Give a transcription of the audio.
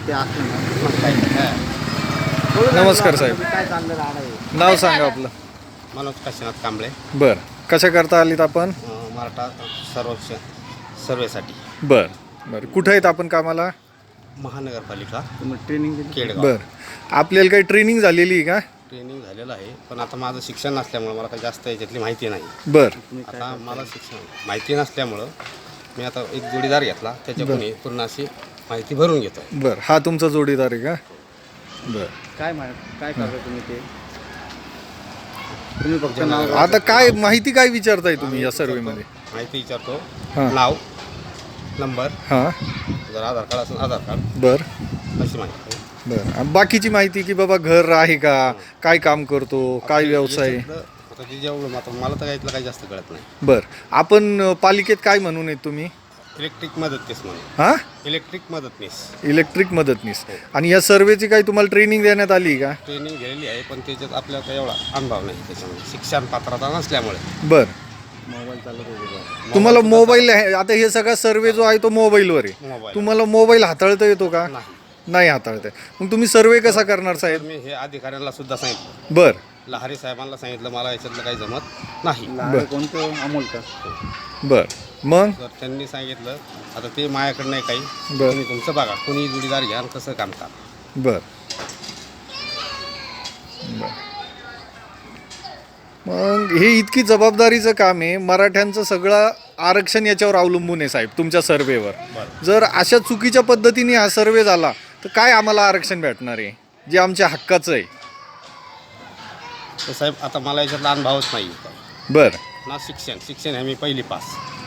ते असतील ना मग काही नाही. नमस्कार साहेब. काय चाललं राहणं आहे? नाव सांगा आपलं. मनोज काशीनाथ कांबळे, बर, कशा करता आलीत आपण? मराठा सर्वेसाठी बर बर, कुठं आहेत आपण कामाला? महानगरपालिका तुम्ही ट्रेनिंग दिली? केडगाव. बर, आपल्याला काही ट्रेनिंग झालेली आहे का? ट्रेनिंग झालेलं आहे, पण आता माझं शिक्षण नसल्यामुळं मला काही जास्त याच्यातली माहिती नाही. बर आता मला शिक्षण माहिती नसल्यामुळं मी आता एक जोडीदार घेतला, त्याच्याकडून पूर्ण अशी माहिती भरून घेतो. बर, हा तुमचा जोडीदार आहे का? बर, काय करता तुम्ही ते? तुम्ही फक्त नाव आता काय माहिती काय विचारताय तुम्ही या सर्वेमध्ये? माहिती विचारतो, हां. नाव, नंबर, हां. जर आधार कार्ड असेल आधार कार्ड, बर अशी माहिती. बर, आणि बाकीची माहिती की बाबा घर आहे का, काय काम करतो, काय व्यवसाय आहे? याच्यातलं आता ते जेवढं आता मला तर यातलं काही जास्त कळत नाही. बर, आपण पालिकेत काय म्हणून आहेत तुम्ही? इलेक्ट्रिक मदतनीस म्हणून. हां, इलेक्ट्रिक मदतनीस इलेक्ट्रिक मदतनीस. आणि या सर्वेची काही तुम्हाला ट्रेनिंग देण्यात आली का? ट्रेनिंग गेलेली आहे, पण त्याच्यात आपल्याला काही एवढा अनुभव नाही त्याच्यामध्ये, शिक्षण पात्रता नसल्यामुळे. बर, मोबाईल चालत होते. तुम्हाला मोबाईल आहे, आता हे सगळा सर्वे जो आहे तो मोबाईलवर आहे. मोबाईल तुम्हाला मोबाईल हाताळता येतो का? नाही. नाही हाताळता येत. मग तुम्ही सर्वे कसा करणार तर साहेब? मी हे अधिकाऱ्यांना सुद्धा सांगितलं, बर लहारी साहेबांना सांगितलं, मला याच्यातलं काही जमत नाही. लहान कोणतं अमोल का? बर, मग तर त्यांनी सांगितलं आता ते माझ्याकडे नाही काही, बर. तुम्ही तुमचं बघा, कोणी जोडीदार घ्या आणि कसं काम का. बर बर. मग हे इतकी जबाबदारीचं काम आहे, मराठ्यांचं सगळं आरक्षण याच्यावर अवलंबून आहे साहेब, तुमच्या सर्वेवर. बरं. जर अशा चुकीच्या पद्धतीने हा सर्वे झाला तर काय आम्हाला आरक्षण भेटणार आहे जे आमच्या हक्काचं आहे? तर साहेब आता मला याच्यातला अनुभवच नाही, बर ना शिक्षण आहे मी पहिली पास.